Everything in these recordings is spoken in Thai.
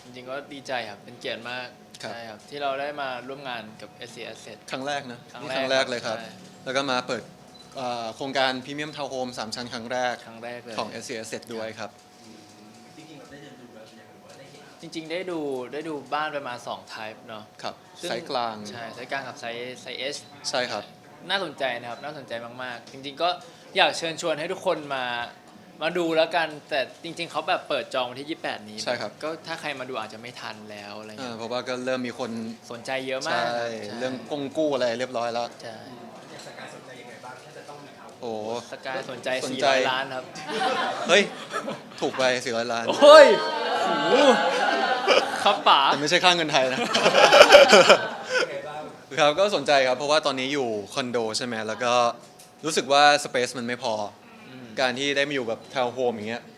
จริงๆก็ดีใจครับเป็นเกียรติมากครับใช่ครับที่เราได้มาร่วมงานกับ SC Asset ครั้งแรกนะครั้งนี่แรกครั้งแรกเลยครับใช่แล้วก็มาเปิดโครงการพรีเมียมทาวน์โฮม3ชั้นครั้งแรกครั้งแรกเลยของ SC Asset ด้วยครับจริงๆเราได้เดินดูแล้วเป็นยังไงว่าได้เห็นจริงๆได้ดูบ้านประมาณ2 type เนาะครับซึ่งไซส์กลางใช่ไซส์กลางกับไซส์ S ใช่ครับน่าสนใจนะครับน่าสนใจมากๆ จริงๆก็อยากเชิญชวนให้ทุกคนมาดูแล้วกัน แต่จริงๆเขาแบบเปิดจองวันที่ 28 นี้ใช่ครับก็ถ้าใครมาดูอาจจะไม่ทันแล้วอะไรเงี้ยเพราะว่าก็เริ่มมีคนสนใจเยอะมาใช่กใช่เรื่องกงกู้อะไรเรียบร้อยแล้วใช่อยากสกายสนใจยังไงบ้างถ้าจะต้องมีเขาโอ้สกายสนใจสนใจ 400 ล้านครับเฮ้ย ถูกไป400 ล้านโอ้ยโอ้โหครับป๋าแต่ไม่ใช่ค่าเงินไทยนะยังไงบ้างครับก็สนใจครับ เพราะว่าตอนนี้อยู่คอนโดใช่ไหมแล้วก็รู้สึกว่าสเปซมันไม่พออการที่ได้มาอยู่แบบทาวน์โฮมอย่างเงี้ย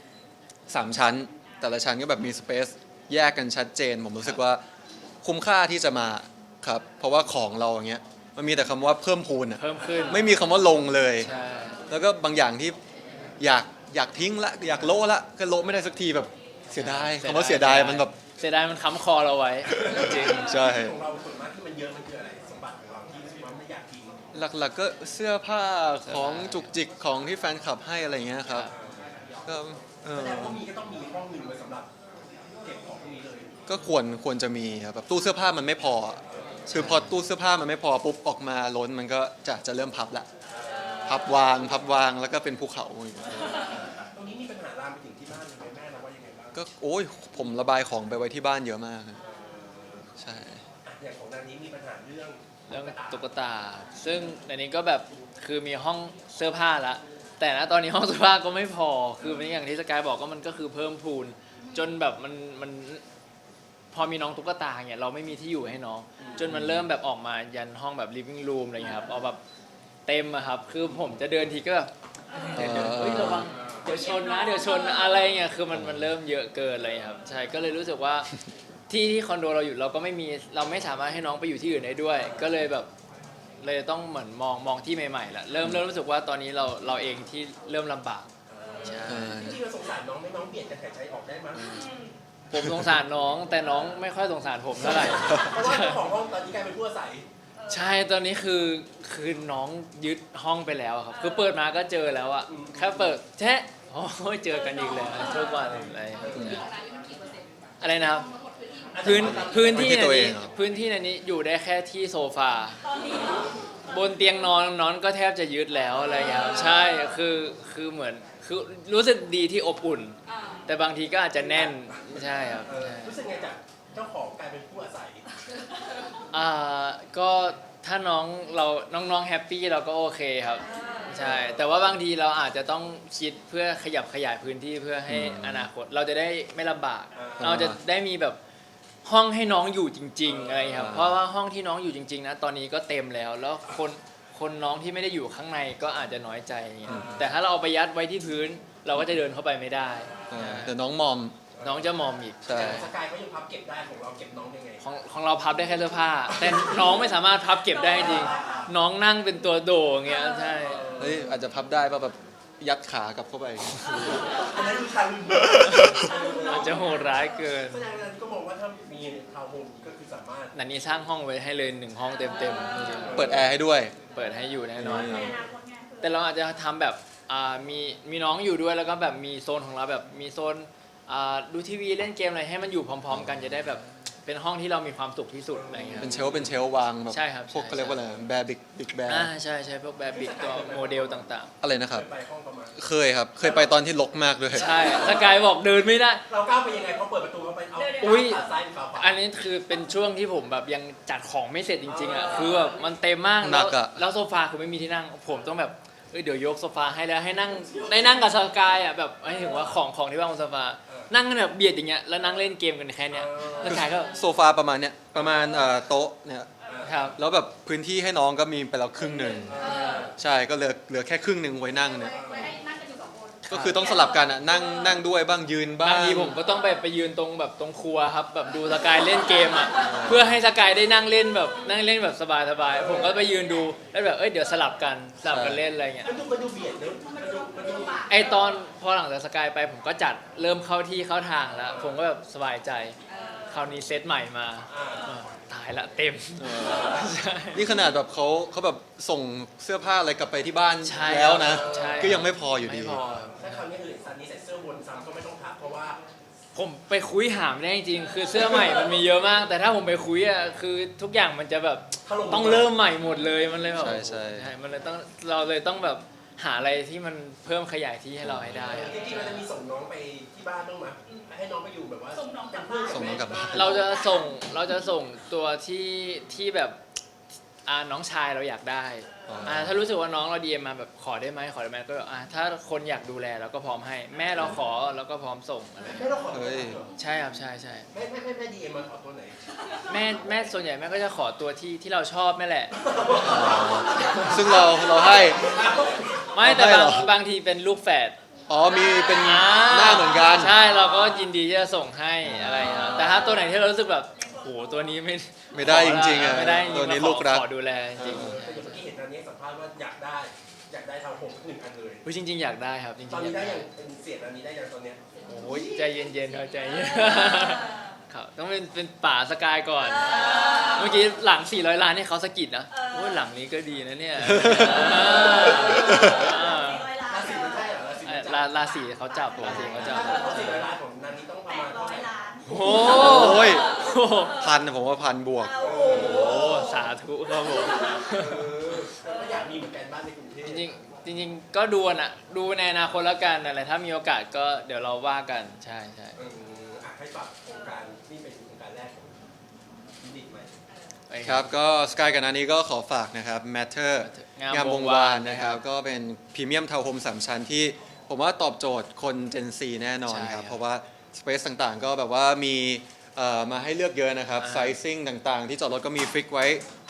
3 ชั้น แต่ละชั้นก็แบบมีสเปซแยกกันชัดเจน ผมรู้สึกว่าคุ้มค่าที่จะมาครับ เพราะว่าของเราอย่างเงี้ยมันมีแต่คำว่าเพิ่มพูนอะเพิ่มขึ้นไม่มีคำว่าลงเลยใช่แล้วก็บางอย่างที่อยากทิ้งละอยากโละละก็โละไม่ได้สักทีแบบเสียดายคำว่าเสียดายมันแบบเสียดายมันค้ำคอเราไว้จริงใช่ของเราส่วนมากที่มันเยอะมันคืออะไรสมบัติของเราที่รู้สึกว่าไม่อยากทิ้งหลักๆก็เสื้อผ้าของจุกจิกของที่แฟนคลับให้อะไรเงี้ยครับก็เอแสอดงว่ามีก็ต้องมีห้องหนึ่งไว้สำหรับเก็บของพวกนี้เลยก็ควรจะมีครับแบบตู้เสื้อผ้ามันไม่พอคือพอตู้เสื้อผ้ามันไม่พอปุ๊บออกมาล้นมันก็จะเริ่มพับละพับวางแล้วก็เป็นภูเขาอย่างเงี้ยตรงนี้มีปัญหาลามไปถึงที่บ้านยังไงแม่เราว่ายังไงบ้างก็โอ้ยผมระบายของไปไว้ที่บ้านเยอะมากครับใช่อย่างของนางนี้มีปัญหาเรื่องเรื่องตุ๊กตา ซึ่งในนี้ก็แบบคือมีห้องเสื้อผ้าละแต่ณตอนนี้ห้องเสื้อผ้าก็ไม่พอ คือเป็นอย่างที่สกายบอกก็มันก็คือเพิ่มพูน จนแบบมันพอมีน้องตุ๊กตาเนี่ยเราไม่มีที่อยู่ให้น้อง จนมันเริ่มแบบออกมายันห้องแบบ living room อะไรเงี้ยครับเอาแบบเต็มอะครับ คือผมจะเดินทีก็แบบเดี๋ยวเฮ้ยระวังเดี๋ยวชนนะเดี๋ยวชนอะไรเงี้ยคือมันเริ่มเยอะเกินอะไรเลยครับใช่ก็เลยรู้สึกว่า ที่คอนโดเราอยู่เราก็เราไม่สามารถให้น้องไปอยู่ที่อื่นได้ด้วย ก็เลยแบบเลยต้องเหมือนมองที่ใหม่ๆละเริ่มรู้สึกว่าตอนนี้เราเองที่เริ่มลำบากใช่จริงๆเราสงสารน้องไม่น้องเบียดกันหายใจออกได้มั้ยผมสงสารน้องแต่น้องไม่ค่อยสงสารผมเท่าไหร่เพราะว่าเจ้าของห้องตอนนี้กลายเป็นผู้อาศัยใช่ตอนนี้คือน้องยึดห้องไปแล้วอะครับคือเปิดมาก็เจอแล้วอะแค่เปิดแชะโอ้ยเจอกันอีกแล้วทุกวันอะไรนะครับพื้นที่ในนี้พื้นที่ในนี้อยู่ได้แค่ที่โซฟาบนเตียงนอนก็แทบจะยึดแล้วอะไรอย่างเงี้ยครับใช่คือเหมือนคือรู้สึกดีที่อบอุ่น แต่บางทีก็อาจจะแน่นใช่ครับใช่รู้สึกไงจากเจ้าของกลายเป็นผู้อาศัยก็ถ้าน้องแฮปปี้เราก็โอเคครับใช่แต่ว่าบางทีเราอาจจะต้องคิดเพื่อขยับขยายพื้นที่เพื่อให้อนาคตเราจะได้ไม่ลำบาก เราจะได้มีแบบห้องให้น้องอยู่จริงๆอะไรครับเพราะว่าห้องที่น้องอยู่จริงๆนะตอนนี้ก็เต็มแล้วคนน้องที่ไม่ได้อยู่ข้างในก็อาจจะน้อยใจอย่างเงี้ยแต่ถ้าเราเอาไปยัดไว้ที่พื้น เราก็จะเดินเข้าไปไม่ได้แต่น้องมอมน้องจะมอมอีกใช่แต่ของสกายเขายังพับเก็บได้ของเราเก็บน้องยังไงของเราพับได้แค่เสื้อผ้า แต่น้องไม่สามารถพับเก็บได้จริงน้องนั่งเป็นตัวโดอย่างเงี้ยใช่เฮ้ยอาจจะพับได้ป่ะแบบยัดขากลับเข้าไปอันนั้นคือทางอาจจะโหดร้ายเกินแสดงว่าก็มองว่าถ้ามีทาวน์โฮมก็คือสามารถนันนี้สร้างห้องไว้ให้เลย1 ห้องเต็มๆจริงเปิดแอร์ให้ด้วยๆเปิดให้อยู่แน่นอนครับแต่เราอาจจะทำแบบมีน้องอยู่ด้วยแล้วก็แบบมีโซนของเราแบบมีโซนดูทีวีเล่นเกมอะไรให้มันอยู่พร้อม ๆ กันจะได้แบบเป็นห้องที่เรามีความสุขที่สุดอะไรเงี้ยเป็นเชลฟ์วางแบบใช่ครับพวกใช่เขาเรียกว่าอะไรแบร์บิ๊กแบร์ใช่พวกแบบบิกตัวโมเดลต่างอะไรนะครับไปห้องประมาณเคยครับ เคยไปตอนที่รกมากด้วยๆ ใช่สกายบอกเดินไม่ได้เราก้าวไปยังไงเขาเปิดประตูเข้าไปเอาอุ๊ยขาซ้ายหรือขาขวาอันนี้คือเป็นช่วงที่ผมแบบยังจัดของไม่เสร็จจริงๆอ่ะคือแบบมันเต็มมากหนักอะแล้วโซฟาคือไม่มีที่นั่งผมต้องแบบเดี๋ยวยกโซฟาให้แล้วให้นั่งได้นั่งกับสกายอ่ะแบบให้ถึงว่าของที่วางบนโซฟานั่งกันแบบเบียดอย่างเงี้ยแล้วนั่งเล่นเกมกันแค่เนี้ยสกายก็โซฟาประมาณเนี้ยประมาณโต๊ะเนี่ยครับแล้วแบบพื้นที่ให้น้องก็มีไปแล้วครึ่งหนึ่งใช่ก็เหลือแค่ครึ่งหนึ่งไว้นั่งเนี่ยไว้ให้นั่งกันอยู่2 คนก็คือต้องสลับกันอ่ะนั่งด้วยบ้างยืนบ้าบาง งทีผมก็ต้องไปยืนตรงแบบตรงครัวครับแบบดูสกายเล่นเกมอ่ะเพื่อให้สกายได้นั่งเล่นแบบสบายๆผมก็ไปยืนดูแล้วแบบเดี๋ยวสลับกันเล่นอะไรเงี้ยมันดูเบียดเนอะมันดูไอตอนพอหลังจากสกายไปผมก็จัดเริ่มเข้าที่เข้าทางแล้ว ผมก็แบบสบายใจคราวนี้เซตใหม่มาตายละเต็มใช่นี่ขนาดแบบเขาแบบส่งเสื้อผ้าอะไรกลับไปที่บ้านใช่แล้วนะใช่ก็ยังไม่พออยู่ดีไม่พอถ้าคราวนี้คือซันนี่ใส่เสื้อวนซ้ำก็ไม่ต้องพักเพราะว่าผมไปคุยหาไม่ได้จริงๆคือเสื้อใหม่มันมีเยอะมาก แต่ถ้าผมไปคุยอ่ะคือทุกอย่างมันจะแบบถล่มต้องเริ่มใหม่หมดเลยมันเลยแบบใช่มันเลยต้องเราเลยต้องแบบหาอะไรที่มันเพิ่มขยายที่ให้เราให้ได้อะจริงๆเราจะมีส่งน้องไปที่บ้านบ้างไหมให้น้องไปอยู่แบบว่าส่งน้องกลับบ้านส่งน้องกลับบ้านเราจะส่งตัวที่แบบน้องชายเราอยากได้ถ้ารู้สึกว่าน้องเราดีมาแบบขอได้ไหมก็ถ้าคนอยากดูแลเราก็พร้อมให้ แม่เราขอเราก็พร้อมส่งอะไรแม่เราขอเฮ้ยใช่ครับใช่แม่ดีเอ็มมาขอตัวไหนแม่ส่วนใหญ่แม่ก็จะขอตัวที่เราชอบแม่แหละซึ่งเราให้ไม่แต่ให้เหรอบางทีเป็นลูกแฝดอ๋อมีเป็นหน้าเหมือนกันใช่เราก็ยินดีที่จะส่งให้อะไรครับแต่ถ้าตัวไหนที่เรารู้สึกแบบโหตัวนี้ไม่ได้จริงๆอ่ะไม่ได้จริงๆตัวนี้ขอลูกรักขอดูแลจริงแต่อย่างเมื่อกี้เห็นตอนนี้สัมภาษณ์ว่าอยากได้ทาวน์โฮมสักหนึ่งอันเลยๆจริง ๆ อยากได้ครับจริงๆตอนนี้ได้อยากยังเป็นเสียงอันนี้ได้ยังตอนเนี้ยโอ้ยใจเย็นๆครับใจเย็นครับต้องเป็นป่าสกายก่อน เมื่อกี้หลัง400 ล้านนี่เขาสะกิดนะโอ้ยหลังนี้ก็ดีนะเนี่ยราศีไม่ใช่เหรอราศีไม่ใช่ราศีเขาจับราศีเขาจับเพราะ400 ล้านของนันนี้ต้องประมาณเท่าไหร่ 800 ล้านโอ้โอ้ยโหผมว่าพันบวกโอ้โหโอ้สาธุครับผมแล้วก็อยากมีเหมือนกันบ้านในกรุงเทพจริงๆก็ดูนะดูในอนาคตแล้วกันอะไรถ้ามีโอกาสก็เดี๋ยวเราว่ากันใช่ให้ฝากโครงการนี่เป็นโครงการแรกของยูนิตใหม่ไปครับก็สกายกับนานี้ก็ขอฝากนะครับ Matter งามวงวานนะครับก็เป็นพรีเมียมทาวน์โฮม3ชั้นที่ผมว่าตอบโจทย์คน Gen Z แน่นอนครับ เพราะว่าสเปซต่างๆ ก็แบบว่ามีมาให้เลือกเยอะนะครับไซซิ่งต่างๆ ที่จอดรถก็มีฟิกไว้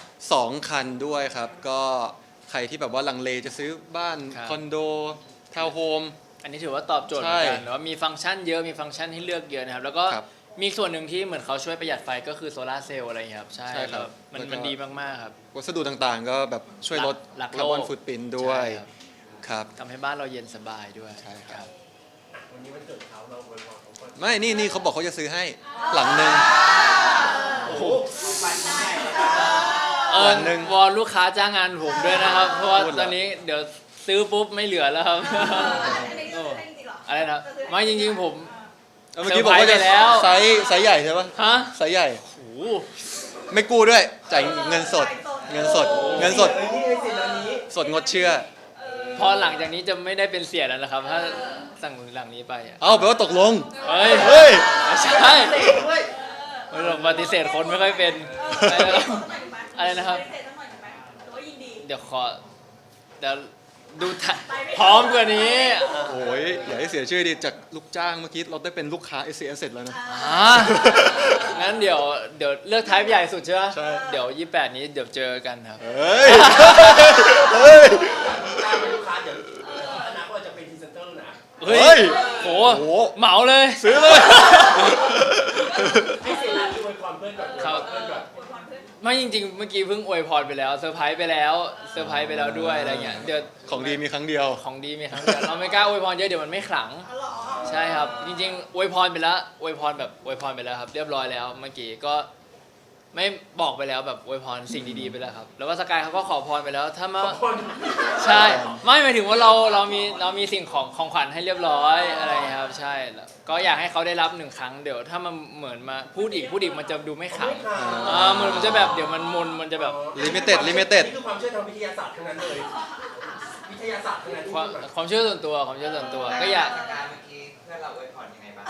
2 คันด้วยครับ ก็ใครที่แบบว่าลังเลจะซื้อบ้านคอนโดทาวน์โฮมอันนี้ถือว่าตอบโจทย์เหมือนกันว่ามีฟังก์ชันเยอะมีฟังก์ชันให้เลือกเยอะนะครับแล้วก็ครับมีส่วนหนึ่งที่เหมือนเขาช่วยประหยัดไฟก็คือโซลาร์เซลล์อะไรอย่างเงี้ยครับใช่ใช่ครับมันแล้วก็มันดีมากๆครับวัสดุต่างๆ ก็แบบช่วยลดหลักคาร์บอนโลกฟุตปรินท์ด้วยใช่ครับครับทำให้บ้านเราเย็นสบายด้วยใช่ครับวันนี้วันเกิดเขาเราอวยพรเขาก่อนไม่นี่เขาบอกเขาจะซื้อให้หลังหนึ่งโอ้โหไปที่ไหนหนึ่งวอนลูกค้าจ้างงานผมด้วยนะครับ เพราะว่าพูดเหรอตอนนี้เดี๋ยวซื้อปุ๊บไม่เหลือแล้วครับอันนี้ก็ซื้อให้จริงๆเหรออะไรนะไม่จริงๆผมเมื่อกี้บอกว่าจะเซอร์ไพรส์ไปแล้วไซส์ใหญ่ใช่ปะฮะไซส์ใหญ่โอ้โหไม่กู้ด้วยจ่ายเงินสด เงินสดเฮ้ยนี่ไงสิอันนี้สดงดเชื่อพอหลังจากนี้จะไม่ได้เป็นเสียแล้วนะครับ ถ้าสั่งหลังนี้ไปอะเอาแปลว่าตกลงเฮ้ยเฮ้ยไม่ใช่เตะด้วยไม่หรอกปฏิเสธคนไม่ค่อยเป็น อะไรนะครับเสร็จสักหน่อยไหมหรือว่ายินดีเดี๋ยวดูพร้อมกว่านี้โอ้ยอย่าให้เสียชื่อดิจากลูกจ้างเมื่อกี้เราได้เป็นลูกค้า s อ s เสร็จแล้วนะงั้นเดี๋ยวเลือกไทป์ใหญ่สุดใช่ไหมใช่เดี๋ยว28นี้เดี๋ยวเจอกันครับเฮ้ย เฮ้ยถ้าเป็นลูกค้าเดี๋ยวอนาคตจะเป็นพรีเซนเตอร์นะเฮ้เฮ้ยยโหโหเหมาเลยซื้อเลยให้เสียนาที่อวยพรเพื่อนก่อนครับเพื่อนก่อนไม่จริงๆ เมื่อกี้เพิ่งอวยพรไปแล้วเซอร์ไพรส์ไปแล้วด้วยอะไรเงี้ยเดี๋ยวของดีมีครั้งเดียวของดีมีครั้งเดียวเราไม่กล้าอวยพรเยอะเดี๋ยวมันไม่ขลังอ๋อเหรอใช่ครับ จริงๆอวยพรไปแล้วอวยพรไปแล้วครับ เรียบร้อยแล้วเมื่อกี้ก็ไม่บอกไปแล้วแบบอวยพรสิ่งดีๆไปแล้วครับ แล้วว่าสกายเขาก็ขอพรไปแล้วถ้ามาคนใช่ไม่หมายถึงว่าเรามีสิ่งของขวัญให้เรียบร้อยอะไรครับใช่แล้วก็อยากให้เขาได้รับ1 ครั้งเดี๋ยวถ้ามันเหมือนมาพูดอีกมันจะดูไม่ขลังมันจะแบบเดี๋ยวมันจะแบบ Limited นี่คือความเชื่อทางวิทยาศาสตร์ทั้งนั้นเลย วิทยาศาสตร์ทั้งนั้นที่ความพูดแบบความเชื่อส่วนตัวก็อยากการเมื่อกี้เพื่อนเราอวยพรยังไงบ้าง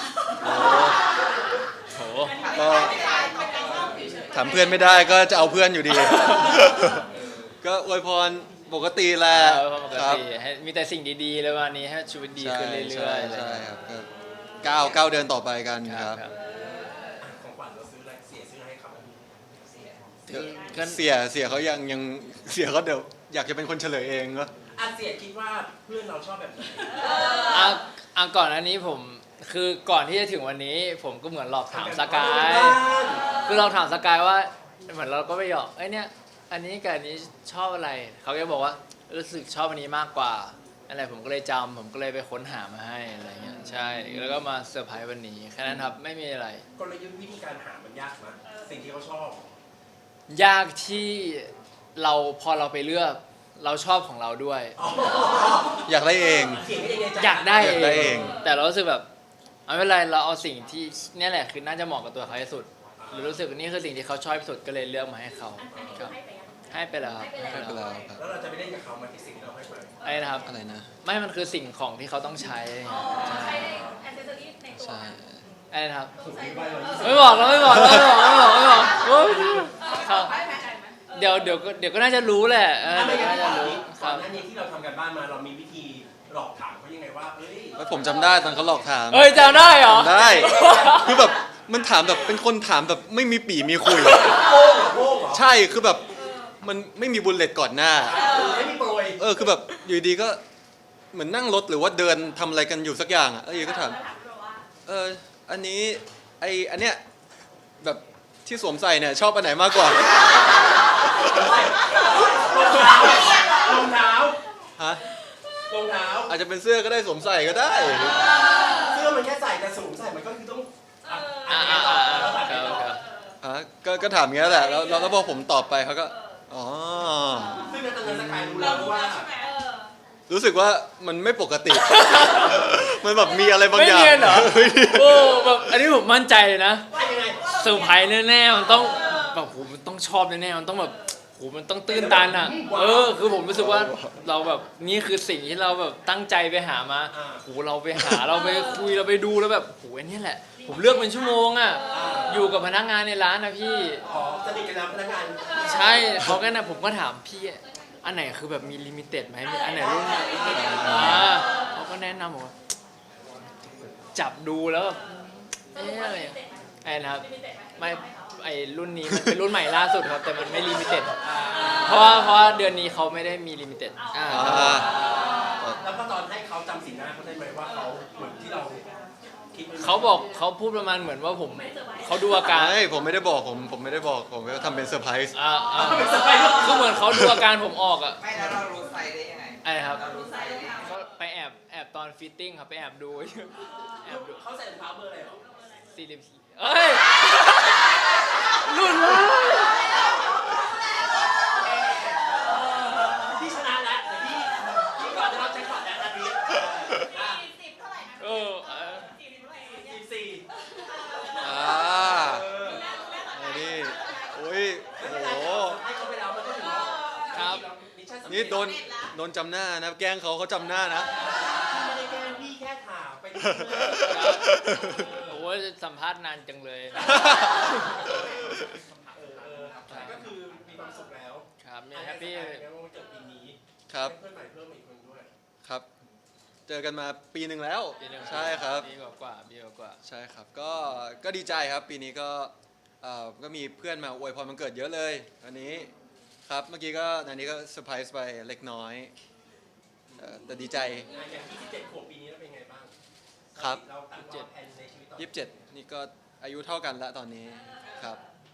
โหก็ไม่ได้ไม่ได้เล่าเฉยถามเพื่อนไม่ได้ก็จะเอาเพื่อนอยู่ดี ก็อวยพรปกติแหละปกครับติให้มีแต่สิ่งดีๆเลยวันนี้ให้ชีวิตดีขึ้นเรื่อยๆใช่ครับก็ก้าวเดินต่อไปกันคครัรับบ ครับของขวัญเราซื้ออะไรเสียซื้อให้เขาก็เสียเขายังเสียเขาเดี๋ยวอยากจะเป็นคนเฉลยเองก็เสียคิดว่าเพื่อนเราชอบแบบไหนก่อนอันนี้ผมคือก่อนที่จะถึงวันนี้ ผมก็เหมือนหลอกถามสกาย คือเราถามสกายว่าเหมือนเราก็ไปหยอกไอ้เนี่ยอันนี้กับอันนี้ชอบอะไรเขาก็บอกว่ารู้สึกชอบอันนี้มากกว่าอะไรผมก็เลยจำผมก็เลยไปค้นหามาให้อะไรเงี้ยใช่แล้วก็มาเซอร์ไพรส์วันนี้แค่นั้นครับไม่มีอะไรกลยุทธ์วิธีการหามันยากมั้ยสิ่งที่เขาชอบยากที่เราพอเราไปเลือกเราชอบของเราด้วยอยากได้เองเขียนไม่ได้ในใจอยากได้อยากได้เองแต่เรารู้สึกแบบไม่เป็นไรเราเอาสิ่งที่เนี่ยแหละคือน่าจะเหมาะกับตัวเขาที่สุดหรือรู้สึกว่านี่คือสิ่งที่เขาชอบที่สุดก็เลยเลือกมาให้เขาอันนี้ครับให้ไปยังให้ไปแล้วครับให้ไปแล้วครับแล้วเราจะไปเล่นกับเขามาที่สิ่งที่เราให้ไปไอ้นะครับอะไรนะไม่มันคือสิ่งของที่เขาต้องใช้ใช้ในแอนเซสซอรี่ในตัวใช่ไอ้นะครับถูกที่ไปเราไม่บอกเราไม่บอกเราไม่บอกไม่บอกไม่บอกโอ๊ยครับไปไหมเดี๋ยวก็น่าจะรู้แหละเดี๋ยวก็น่าจะรู้คก่อรันบหน้านี้ที่เราทำกันบ้านมาเรามีวิธีหลอกถามเขายังไงว่าเอ้ยแล้วผมจำได้ตอนเขาหลอกถามเอ้ยจำได้เหรอจำได้ คือแบบมันถามแบบเป็นคนถามแบบไม่มีปี่มีคุยโป้งเหรอโป้งเหรอใช่คือแบบมันไม่มีบุลเลตก่อนหน้าไม่มีโปรยคือแบบอยู่ดีก็เหมือนนั่งรถหรือว่าเดินทำอะไรกันอยู่สักอย่างอ่ะอยู่ก็ถามอันนี้อันเนี้ยแบบที่สวมใส่เนี่ยชอบอันไหนมากกว่ารองเท้าฮะรองเท้าอาจจะเป็นเสื้อก็ได้สวมใส่ก็ได้เสื้อมันแค่ใส่แต่สูงใส่มันก็คือต้องครับก็ถามอย่างเงี้ยแหละแล้วพอผมตอบไปเขาก็อ๋อซึ่งในตอนนั้นสกายรู้เราแล้วรู้ว่าแล้วใช่ไหมรู้สึกว่ามันไม่ปกติ มันแบบมีอะไรบางไม่อย่างเนียนเหรอไม่เนียนโอ้แบบอันนี้ผมมั่นใจเลยนะว่ายังไงเซอร์ไพรส์แน่ๆมันต้องแบบโหมันต้องชอบแน่ๆมันต้องแบบโหมันต้องตื้นตันอ่ะคือผมรู้สึกว่าเราแบบนี่คือสิ่งที่เราแบบตั้งใจไปหามาโหเราไปหาเราไปคุยเราไปดูแล้วแบบโหอันนี้แหละ ผมเลือกเป็นชั่วโมงอ่ะอยู่กับพนักงานในร้านนะพี่อ๋อสนิทกันแล้วพนักงานใช่เขาก็นะผมก็ถามพี่อันไหนคือแบบมีลิมิเต็ดไหมมีอันไหนรุ่นเขาก็แนะนำบอกว่าจับดูแล้วแบบเอ๊ะอะไรไอ้นะครับไม่ไอ้รุ่นนี้มันเป็นรุ่นใหม่ล่าสุดครับแต่มันไม่ลิมิเต็ดเพราะว่าเดือนนี้เขาไม่ได้มีลิมิเต็ดอ่าแล้วก็ตอนให้เขาจำสีหน้าเขาได้ไหมว่าเขาเหมือนที่เราคิดไว้ไหมเขาบอกเขาพูดประมาณเหมือนว่าผมเขาดูอาการไม่ผมไม่ได้บอกผมไม่ได้บอกผมก็ทำเป็นเซอร์ไพรส์คือเหมือนเขาดูอาการผมออกอ่ะไม่แล้วเรารู้ไซส์ได้ยังไงไอ้ครับเรารู้ไซส์ได้ยังไงก็ไปแอบตอนฟิตติ้งครับไปแอบดูแอบดูเขาใส่รองเท้าเบอร์อะไรหรอ 44เอ้ยรุ่นวะพี่ชนะแล้วเดี๋ยวพี่ก่อนจะรับแจ็คพอตแล้วนาที 40เท่าไหร่นะเออ 40เท่าไหร่เนี่ย 14 อ่าอันนี้โอ้ยไม่โอ้เป็นโหไรให้เขาไปแล้วมันก็ถือว่าครับมิชชั่นสำเร็จนี่โดนจำหน้านะแกล้งเขาจำหน้านะพี่ไม่ได้แกล้งพี่แค่ถามไปเรื่อยโอ้ยสัมภาษณ์นานจังเลยก็คือมีความสุขแล้วครับเนี่ยแฮปปี้แล้ววันเกิดปีนี้ครับเพื่อนใหม่เพิ่มอีกคนด้วยครับ เจอกันมาปีหนึ่งแล้ว ใช่ครับปีกว่าใช่ครับก็ดีใจครับปีนี้ก็มีเพื่อนมาอวยพรวันเกิดเยอะเลยอันนี้ครับเมื่อกี้ก็อันนี้ก็เซอร์ไพรส์ไปเล็กน้อยแต่ดีใจอย่าง27ขวบปีนี้แล้วเป็นไงบ้างครับเราตั้งวางแผนในชีวิตต่อ 27นี่ก็อายุเท่ากันแล้วตอนนี้ครับ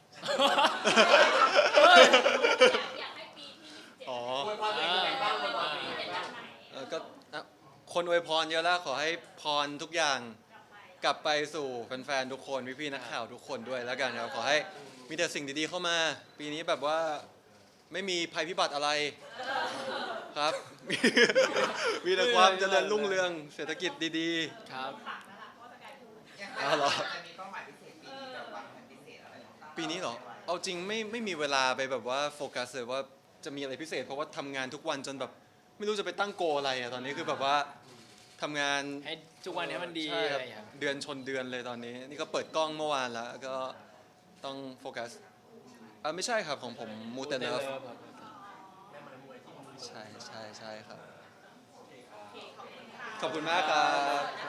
อยากให้ปีที่27 อ๋ออวยพรตัวเองยังไงบ้างอวยพรตัวเองยังไงบ้างก็คนอวยพรเยอะแล้วขอให้พรทุกอย่างกลับไปสู่แฟนๆทุกคนพี่ๆนักข่าวทุกคนด้วยแล้วกันครับขอให้มีแต่สิ่งดีๆเข้ามา ปีนี้แบบว่าไม่มีภัยพิบัติอะไรครับ มีแต่ความเจริญรุ่งเรืองเศรษฐกิจดีครับยังอ๋อเหรอจะมีเป้าหมายพิเศษปีนี้แบบวางแผนพิเศษอะไรของเราๆ ปีนี้เหรอเอาจริงไม่มีเวลาไปแบบว่าโฟกัสเลยว่าจะมีอะไรพิเศษ เพราะว่าทำงานทุกวันจนแบบไม่รู้จะไปตั้งโกอะไรอะตอนนี้คือแบบว่าทำงานให้ทุกวันนี้มันดีใช่อะคไรรับอย่างเงี้ยเดือนชนเดือนเลยตอนนี้ นี่ก็เปิดกล้องเมื่อวานแล้วก็ต้องโฟกัสไม่ใช่ครับของผมมูเตเลิฟแม่ไม้มวยที่มือใช่ครับ ขอบคุณมากครับ